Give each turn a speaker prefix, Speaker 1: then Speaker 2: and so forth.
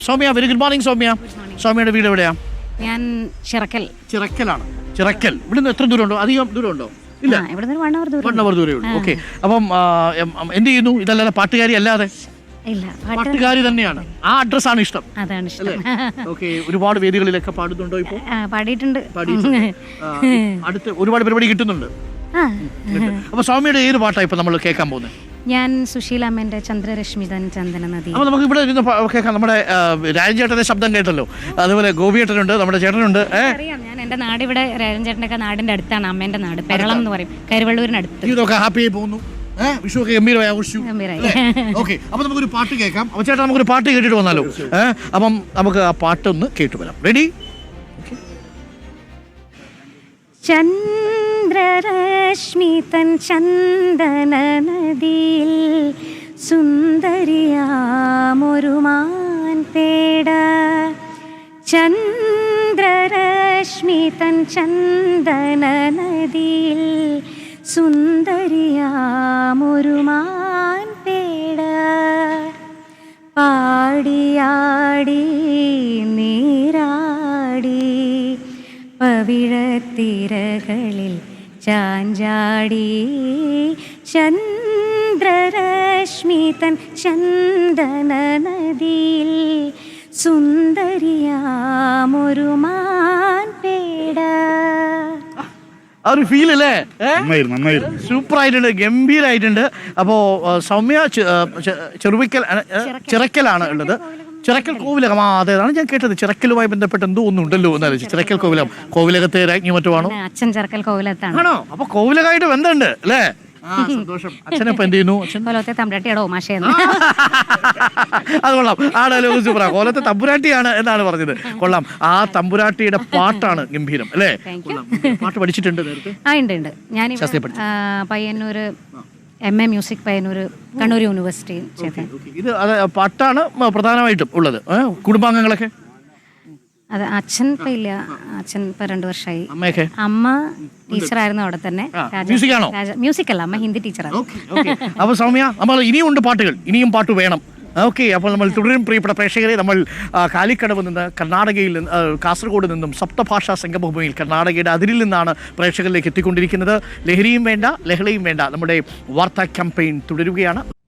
Speaker 1: Soumya, very good morning Soumya. സൗമ്യയുടെ വീട് എവിടെയാ?
Speaker 2: ഞാൻ
Speaker 1: ചിറക്കലാണ്. ചിറക്കൽ ഇവിടുന്ന് എത്ര ദൂരമുണ്ടോ? അധികം ദൂരമുണ്ടോ? ഇല്ല, 1 hour ദൂരമേ ഉള്ളൂ. ഓക്കെ. അപ്പം എന്ത് ചെയ്യുന്നു? ഇതല്ലാതെ പാട്ടുകാരി അല്ലാതെ?
Speaker 2: ഇല്ല,
Speaker 1: പാട്ടുകാരി തന്നെയാണ്. ആ അഡ്രസ്സാണ് ഇഷ്ടം.
Speaker 2: അതാണ് ഇഷ്ടം.
Speaker 1: ഓക്കെ. ഒരുപാട് വേദികളിലൊക്കെ പാടുന്നുണ്ടോ ഇപ്പോൾ?
Speaker 2: പാടിയിട്ടുണ്ട്.
Speaker 1: അടുത്ത് ഒരുപാട് പരിപാടി കിട്ടുന്നുണ്ട്. അപ്പൊ സൗമ്യയുടെ ഏത് പാട്ടാണ് ഇപ്പൊ നമ്മൾ കേൾക്കാൻ പോകുന്നത്?
Speaker 2: ഞാൻ സുശീല അമ്മേന്റെ ചന്ദ്രരശ്മി തൻ ചന്ദന നദി.
Speaker 1: അപ്പൊ നമുക്ക് ഇവിടെ ഇരുന്ന് കേൾക്കാം. നമ്മുടെ രാജൻ ചേട്ടന്റെ ശബ്ദം കേട്ടല്ലോ, അതുപോലെ ഗോപിയേട്ടനുണ്ട്, നമ്മുടെ ചേട്ടനുണ്ട്.
Speaker 2: അറിയാം, ഞാൻ എന്റെ നാട് ഇവിടെ രാജൻ ചേട്ടന്റെ ഒക്കെ നാടിന്റെ അടുത്താണ്, അമ്മേന്റെ നാട് പെരളം എന്ന് പറയും, കരുവള്ളൂരിനടുത്ത്.
Speaker 1: ഇതൊക്കെ ഹാപ്പി ആയി പോകുന്നു. വിഷു ഒക്കെ ഗംഭീരമായി ആഘോഷിച്ചു. ഓക്കെ. അപ്പൊ നമുക്കൊരു പാട്ട് കേൾക്കാം. അപ്പൊ ചേട്ടാ, നമുക്കൊരു പാട്ട് കേട്ടിട്ട് വന്നാലോ? അപ്പം നമുക്ക് ആ പാട്ടൊന്ന് കേട്ടു വരാം. റെഡി?
Speaker 2: ചന്ദ്രരശ്മി തൻ ചന്ദന നദിയിൽ സുന്ദരിയാമൊരു മാൻ പേട. ചന്ദ്രരശ്മി തൻ ചന്ദന നദിയിൽ സുന്ദരിയാമൊരു മാൻ പേട. പാടിയാടി നീരാടി പവിഴത്തിരകളിൽ ചാഞ്ചാടി. ചന്ദ്രരശ്മി തൻ ചന്ദന നദിയിൽ സുന്ദരിയാമൊരു മാൻ പേട.
Speaker 1: ആ ഒരു ഫീൽ അല്ലേ? സൂപ്പർ ആയിട്ടുണ്ട്, ഗംഭീരായിട്ടുണ്ട്. അപ്പോ സൗമ്യ ചിറക്കലാണ് ഉള്ളത്. ചിറക്കൽ കോവിലകം. അതേതാണ് ഞാൻ കേട്ടത്. ചിറക്കലുമായി ബന്ധപ്പെട്ട് എന്തോ ഒന്നുണ്ടല്ലോ എന്നാലും. ചിറക്കൽ കോവിലകം, കോവിലകത്തെ രാജ്ഞി മറ്റോ ആണോ?
Speaker 2: അച്ഛൻ ചിറക്കൽ കോവിലത്താണ്.
Speaker 1: ആണോ? അപ്പൊ കോവിലകമായിട്ട് ബന്ധമുണ്ട് അല്ലേ? സന്തോഷം. അച്ഛനപ്പൊ എന്ത് ചെയ്യുന്നു?
Speaker 2: കോലത്തെ തമ്പുരാട്ടിയാടോ മാഷേന്ന്.
Speaker 1: അത് കൊള്ളാം. ആ ഡയലോഗ് സൂപ്പറാ. കോലത്തെ തമ്പുരാട്ടിയാണ് എന്നാണ് പറഞ്ഞത്. കൊള്ളാം. ആ തമ്പുരാട്ടിയുടെ പാട്ടാണ് ഗംഭീരം അല്ലേ? പാട്ട് പഠിച്ചിട്ടുണ്ട് നേരത്തെ?
Speaker 2: ഉണ്ട്. ഞാൻ Payyanur MA music Payyanur Kannur university.
Speaker 1: ഇത് പാട്ടാണ് പ്രധാനമായിട്ടും ഉള്ളത്. കുടുംബാംഗങ്ങളൊക്കെ?
Speaker 2: അത് അച്ഛൻ ഇപ്പൊ ഇല്ല, അച്ഛൻ ഇപ്പൊ 2 വർഷമായി.
Speaker 1: അമ്മയൊക്കെ?
Speaker 2: അമ്മ ടീച്ചറായിരുന്നു അവിടെ തന്നെ. മ്യൂസിക് അല്ല, അമ്മ ഹിന്ദി ടീച്ചറാണ്.
Speaker 1: അപ്പൊ സൗമ്യ, നമ്മൾ ഇനിയും ഉണ്ട് പാട്ടുകൾ, ഇനിയും പാട്ട് വേണം. ഓക്കെ. അപ്പോൾ നമ്മൾ തുടരും പ്രിയപ്പെട്ട പ്രേക്ഷകരെ. നമ്മൾ കാലിക്കടവ് നിന്ന്, കർണാടകയിൽ നിന്ന്, കാസർഗോഡ് നിന്നും സപ്തഭാഷാ സംഗമഭൂമിയിൽ കർണാടകയുടെ അതിരിൽ നിന്നാണ് പ്രേക്ഷകരിലേക്ക് എത്തിക്കൊണ്ടിരിക്കുന്നത്. ലഹരിയും വേണ്ട, ലഹളയും വേണ്ട, നമ്മുടെ വാർത്താ ക്യാമ്പയിൻ തുടരുകയാണ്.